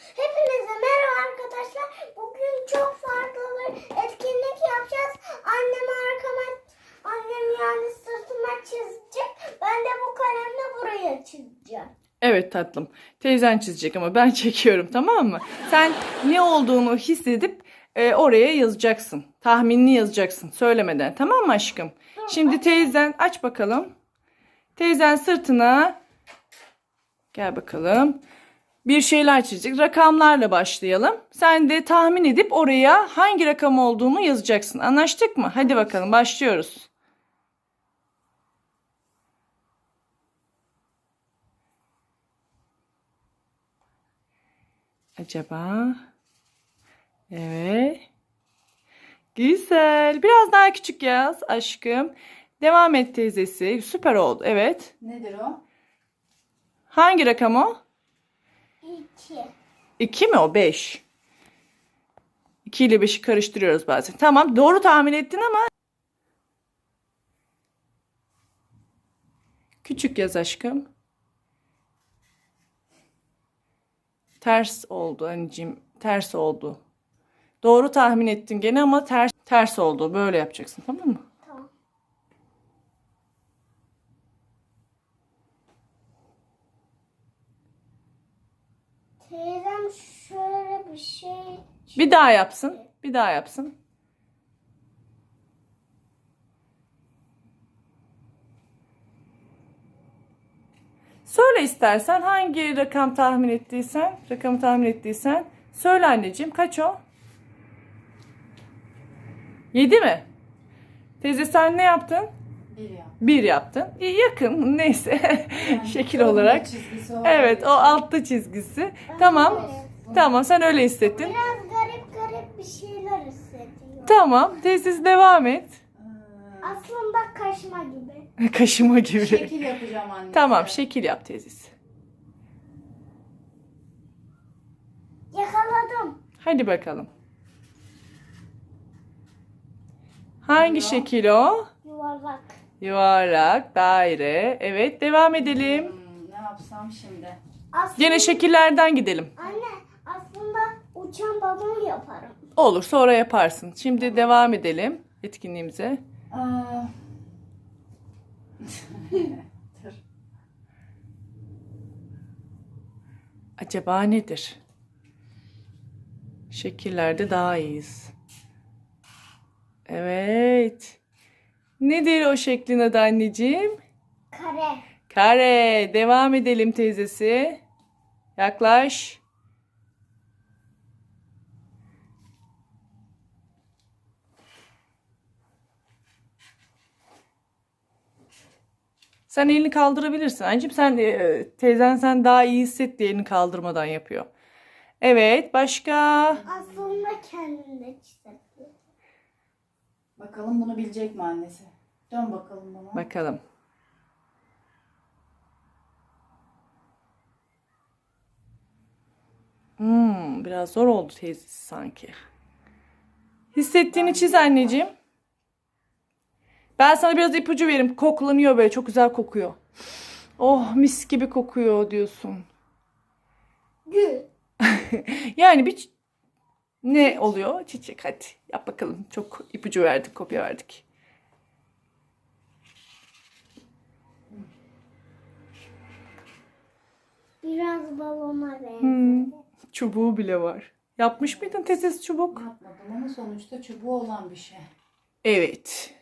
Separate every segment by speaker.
Speaker 1: Hepinize merhaba arkadaşlar. Bugün çok farklı bir etkinlik yapacağız. Annem yani sırtıma çizecek. Ben de bu kalemle buraya çizeceğim.
Speaker 2: Evet tatlım. Teyzen çizecek ama ben çekiyorum, tamam mı? Sen ne olduğunu hissedip oraya yazacaksın. Tahminini yazacaksın söylemeden, tamam mı aşkım? Şimdi teyzen aç bakalım. Teyzen sırtına gel bakalım. Bir şeyler çizecek. Rakamlarla başlayalım. Sen de tahmin edip oraya hangi rakam olduğunu yazacaksın. Anlaştık mı? Hadi bakalım başlıyoruz. Acaba? Evet. Güzel. Biraz daha küçük yaz aşkım. Devam et teyzesi. Süper oldu. Evet.
Speaker 3: Nedir o?
Speaker 2: Hangi rakam o?
Speaker 1: 2.
Speaker 2: 2 mi o? 5. 2 ile 5'i karıştırıyoruz bazen. Tamam. Doğru tahmin ettin ama küçük yaz aşkım. Ters oldu anneciğim. Ters oldu. Doğru tahmin ettin gene ama ters oldu. Böyle yapacaksın, tamam mı?
Speaker 1: Tamam. Teyzem şöyle bir şey.
Speaker 2: Bir daha yapsın. Bir daha yapsın. Söyle istersen hangi rakamı tahmin ettiysen söyle anneciğim. Kaç o? 7 mi? Teyze sen ne yaptın?
Speaker 3: 1 ya.
Speaker 2: 1 yaptın. İyi, yakın neyse.
Speaker 3: Yani
Speaker 2: Şekil
Speaker 3: onun
Speaker 2: olarak.
Speaker 3: çizgisi
Speaker 2: Evet, o altta çizgisi. Tamam. Tamam, sen öyle hissettin.
Speaker 1: Biraz garip bir şeyler hissediyorum.
Speaker 2: Tamam, teyzesi devam et.
Speaker 1: Aslında kaşma gibi.
Speaker 2: Kaşıma gibi.
Speaker 3: Şekil yapacağım anne.
Speaker 2: Tamam, şekil yap teyzesi.
Speaker 1: Yakaladım.
Speaker 2: Hadi bakalım. Hangi
Speaker 3: Buyurun.
Speaker 2: şekil o?
Speaker 1: Yuvarlak.
Speaker 2: Yuvarlak, daire. Evet, devam edelim.
Speaker 3: Ne yapsam şimdi?
Speaker 1: Aslında,
Speaker 2: Gene şekillerden gidelim.
Speaker 1: Anne aslında uçan balon yaparım.
Speaker 2: Olur, sonra yaparsın. Şimdi devam edelim etkinliğimize.
Speaker 3: Aa. Dur.
Speaker 2: Acaba nedir? Şekillerde daha iyiyiz. Evet. Nedir o şeklin adı anneciğim?
Speaker 1: Kare.
Speaker 2: Kare. Devam edelim teyzesi. Yaklaş. Sen elini kaldırabilirsin. Anneciğim teyzen sen daha iyi hisset diye elini kaldırmadan yapıyor. Evet, başka?
Speaker 1: Aslında kendinde çizebiliyor.
Speaker 3: Bakalım bunu bilecek mi annesi? Dön bakalım bana.
Speaker 2: Bakalım. Biraz zor oldu teyzesi sanki. Hissettiğini çiz anneciğim. Ben sana biraz ipucu vereyim. Koklanıyor böyle. Çok güzel kokuyor. Oh, mis gibi kokuyor diyorsun.
Speaker 1: Gül.
Speaker 2: Yani ne oluyor? Çiçek, hadi yap bakalım. Çok ipucu verdik, kopya verdik.
Speaker 1: Biraz balona benziyor.
Speaker 2: Çubuğu bile var. Yapmış mıydın teyzesi çubuk?
Speaker 3: Yapmadım ama sonuçta çubuğu olan bir şey.
Speaker 2: Evet.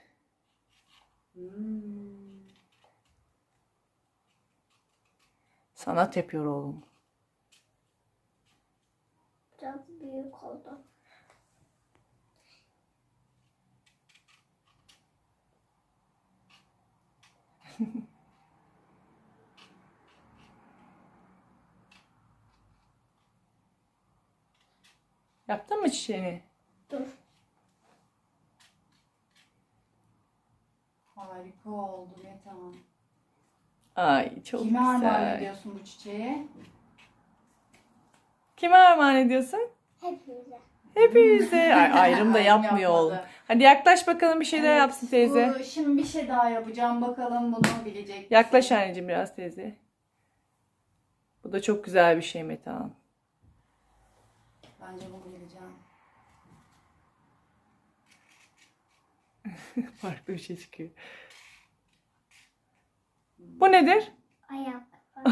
Speaker 2: Sanat yapıyor oğlum.
Speaker 1: Biraz büyük oldu.
Speaker 2: Yaptın mı çiçeğini?
Speaker 1: Dur.
Speaker 3: Harika oldu Metehan.
Speaker 2: Ay, çok
Speaker 3: Kime armağan
Speaker 2: güzel.
Speaker 3: ediyorsun bu çiçeği?
Speaker 2: Kime armağan ediyorsun?
Speaker 1: Hepimize.
Speaker 2: Hepinize. Ay, ayrım da
Speaker 3: Ayrım
Speaker 2: yapmıyor
Speaker 3: yapmadı.
Speaker 2: oğlum. Hadi yaklaş bakalım, bir şeyler
Speaker 3: Evet,
Speaker 2: yapsın teyze.
Speaker 3: Şimdi bir şey daha yapacağım. Bakalım bunu bilecek misin?
Speaker 2: Yaklaş anneciğim biraz teyze. Bu da çok güzel bir şey Metehan.
Speaker 3: Bence bunu bileceğim.
Speaker 2: Farklı bir şey çıkıyor. Bu nedir?
Speaker 1: Ayak.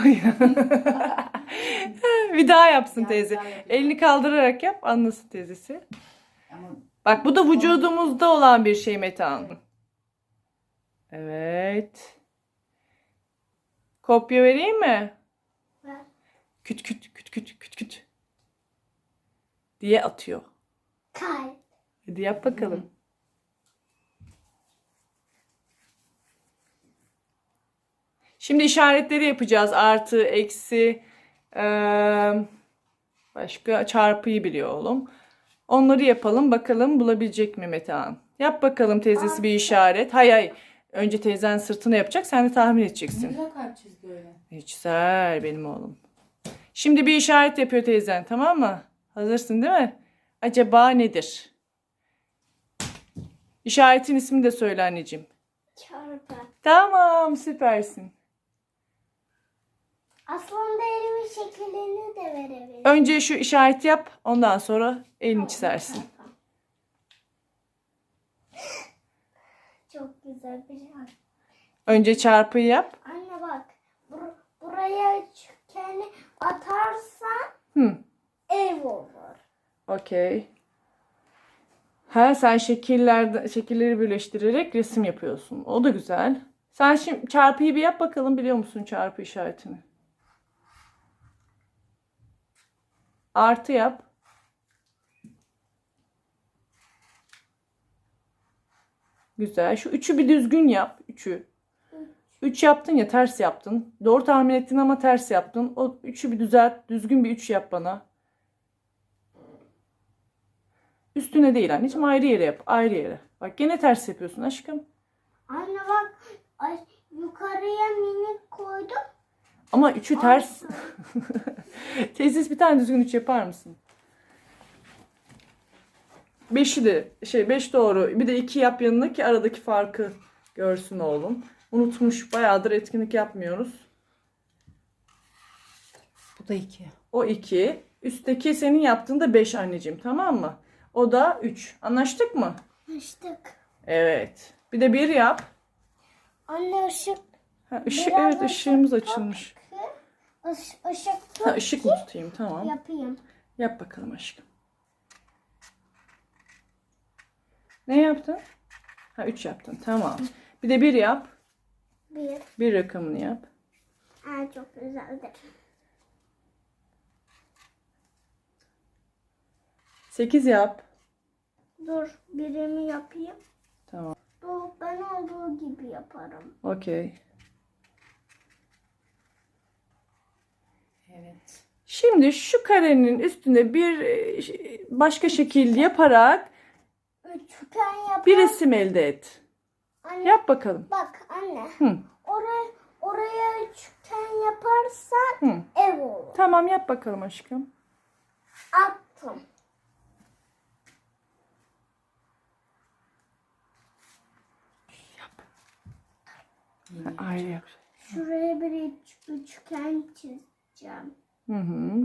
Speaker 2: Bir daha yapsın
Speaker 3: Ya,
Speaker 2: teyze.
Speaker 3: bir daha yapayım.
Speaker 2: Elini kaldırarak yap, anlasın teyzesi.
Speaker 3: Ama
Speaker 2: Bak bu da vücudumuzda olan bir şey Metehan.
Speaker 3: Evet.
Speaker 2: Evet. Kopya vereyim mi?
Speaker 1: Ver.
Speaker 2: Küt küt küt küt küt küt diye atıyor.
Speaker 1: Kalp.
Speaker 2: Hadi yap bakalım. Şimdi işaretleri yapacağız. Artı, eksi, başka çarpıyı biliyor oğlum. Onları yapalım. Bakalım bulabilecek mi Metehan? Yap bakalım teyzesi bir işaret. Hay hay. Önce teyzen sırtını yapacak. Sen de tahmin
Speaker 3: ne
Speaker 2: edeceksin.
Speaker 3: güzel kalp çizdi öyle.
Speaker 2: Hiç güzel benim oğlum. Şimdi bir işaret yapıyor teyzen, tamam mı? Hazırsın değil mi? Acaba nedir? İşaretin ismini de söyle anneciğim.
Speaker 1: Çarpı.
Speaker 2: Tamam, süpersin.
Speaker 1: Aslında elimin şekillerini de verebilirim.
Speaker 2: Önce şu işareti yap, ondan sonra elini çizersin.
Speaker 1: Çok güzel bir şey.
Speaker 2: Önce çarpıyı yap.
Speaker 1: Anne bak. Buraya üçgeni atarsan
Speaker 2: Hı,
Speaker 1: ev olur.
Speaker 2: okey. Ha, sen şekilleri birleştirerek resim yapıyorsun. O da güzel. Sen şimdi çarpıyı bir yap bakalım, biliyor musun çarpı işaretini? Artı yap. Güzel. Şu üçü bir düzgün yap. Üçü. 3 yaptın ya, ters yaptın. Doğru tahmin ettin ama ters yaptın. O üçü bir düzelt. Düzgün bir 3 yap bana. Üstüne değil anneciğim, ayrı yere yap. Ayrı yere. Bak gene ters yapıyorsun aşkım.
Speaker 1: Anne bak. Ay, yukarıya minik koydum.
Speaker 2: Ama üçü ters. Teyzesi bir tane düzgün 3 yapar mısın? 5'i de 5 doğru. Bir de 2 yap yanına ki aradaki farkı görsün oğlum. Unutmuş. Bayağıdır etkinlik yapmıyoruz.
Speaker 3: Bu da 2.
Speaker 2: O 2. Üstteki senin yaptığın da 5 anneciğim, tamam mı? O da 3. Anlaştık mı?
Speaker 1: Açtık.
Speaker 2: Evet. Bir de 1 yap.
Speaker 1: Anne ışık.
Speaker 2: Ha,
Speaker 1: Biraz
Speaker 2: evet,
Speaker 1: ışık
Speaker 2: ışığımız
Speaker 1: tut.
Speaker 2: açılmış.
Speaker 1: Işık tut
Speaker 2: Ha, ışık mı tutayım? Tamam.
Speaker 1: yapayım.
Speaker 2: Yap bakalım aşkım. Ne yaptın? Ha, 3 yaptın. Tamam. Bir de 1 yap.
Speaker 1: Bir.
Speaker 2: 1 rakamını yap.
Speaker 1: Aa, çok güzeldir.
Speaker 2: 8 yap.
Speaker 1: Dur birimi yapayım.
Speaker 2: Tamam.
Speaker 1: Dur ben olduğu gibi yaparım.
Speaker 2: Okey.
Speaker 3: Evet.
Speaker 2: Şimdi şu karenin üstüne bir başka şekil yaparak
Speaker 1: Üçgen yapar.
Speaker 2: bir resim elde et.
Speaker 1: Anne,
Speaker 2: Yap bakalım.
Speaker 1: bak anne.
Speaker 2: Hı.
Speaker 1: Oraya üçgen yaparsan
Speaker 2: Hı.
Speaker 1: ev olur.
Speaker 2: Tamam, yap bakalım aşkım.
Speaker 1: Attım.
Speaker 3: Yine.
Speaker 2: Ayrı yap.
Speaker 1: Şuraya bir üçgen çizeceğim.
Speaker 2: Hı hı.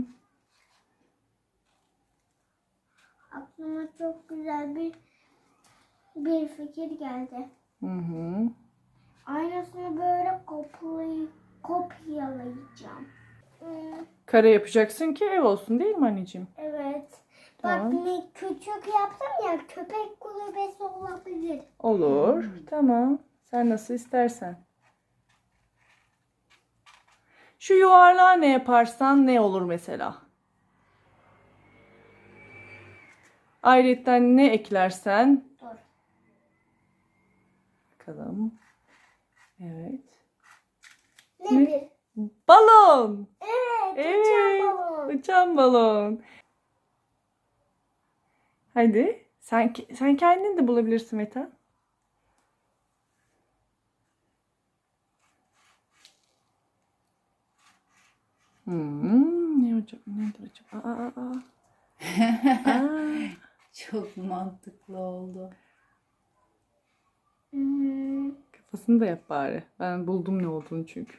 Speaker 1: Aklıma çok güzel bir fikir geldi.
Speaker 2: Hı hı.
Speaker 1: Aynısını böyle kopyalayacağım.
Speaker 2: Kare yapacaksın ki ev olsun, değil mi anneciğim?
Speaker 1: Evet.
Speaker 2: Tamam.
Speaker 1: Bak ne küçük yaptım ya, köpek kulübesi olabilir.
Speaker 2: Olur. Tamam. Sen nasıl istersen. Şu yuvarlağı ne yaparsan ne olur mesela? Ayrıyetten ne eklersen.
Speaker 1: Dur.
Speaker 2: Bakalım. Evet.
Speaker 1: Ne
Speaker 2: Ne?
Speaker 1: bir?
Speaker 2: Balon.
Speaker 1: Evet,
Speaker 2: Evet.
Speaker 1: uçan balon.
Speaker 2: Uçan balon. Hadi. Sen kendin de bulabilirsin Meta. Ne hocam? Nedir acaba? Aa.
Speaker 3: Çok mantıklı oldu.
Speaker 2: Kafasını da yap bari. Ben buldum ne olduğunu çünkü.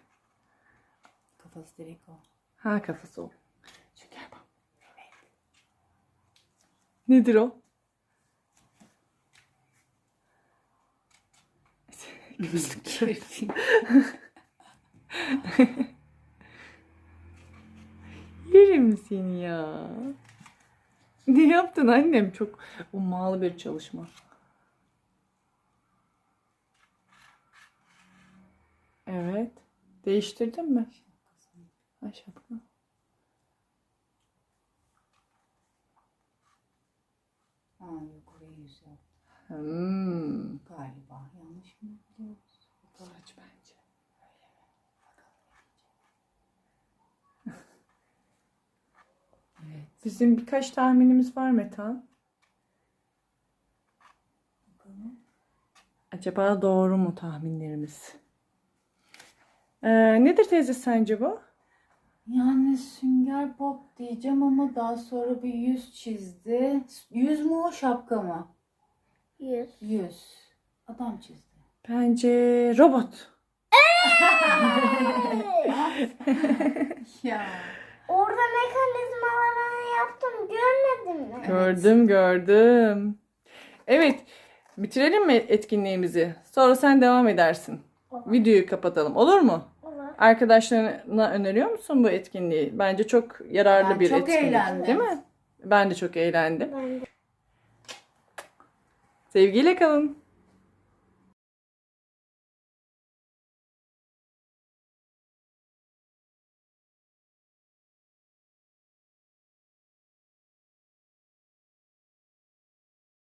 Speaker 3: Kafası direkt o.
Speaker 2: Ha, kafası o. Şu gel bak. Nedir o? Gözlük. Yerim seni ya. Ne yaptın annem? Çok ummalı bir çalışma. Evet. Değiştirdin mi? Ay şapka.
Speaker 3: Ha yok, oraya yüz yap. Galiba yanlış mı biliyoruz?
Speaker 2: Saç bence.
Speaker 3: Evet.
Speaker 2: Bizim birkaç tahminimiz var Metan.
Speaker 3: Bakalım.
Speaker 2: Acaba doğru mu tahminlerimiz? Nedir teyze sence bu?
Speaker 3: Yani Sünger Bob diyeceğim ama daha sonra bir yüz çizdi. Yüz mü o, şapka mı?
Speaker 1: 100.
Speaker 3: Yüz. Adam çizdi.
Speaker 2: Bence robot.
Speaker 3: Ya.
Speaker 1: Orada mekanizmalarını yaptım. Görmedin mi?
Speaker 2: Gördüm. Evet. Bitirelim mi etkinliğimizi? Sonra sen devam edersin.
Speaker 1: Olur.
Speaker 2: Videoyu kapatalım. Olur mu?
Speaker 1: Olur.
Speaker 2: Arkadaşlarına öneriyor musun bu etkinliği? Bence çok yararlı
Speaker 3: Ben
Speaker 2: bir
Speaker 3: çok
Speaker 2: etkinlik.
Speaker 3: eğlendim.
Speaker 2: Değil mi? Ben de çok eğlendim.
Speaker 1: Ben de.
Speaker 2: Sevgiyle kalın.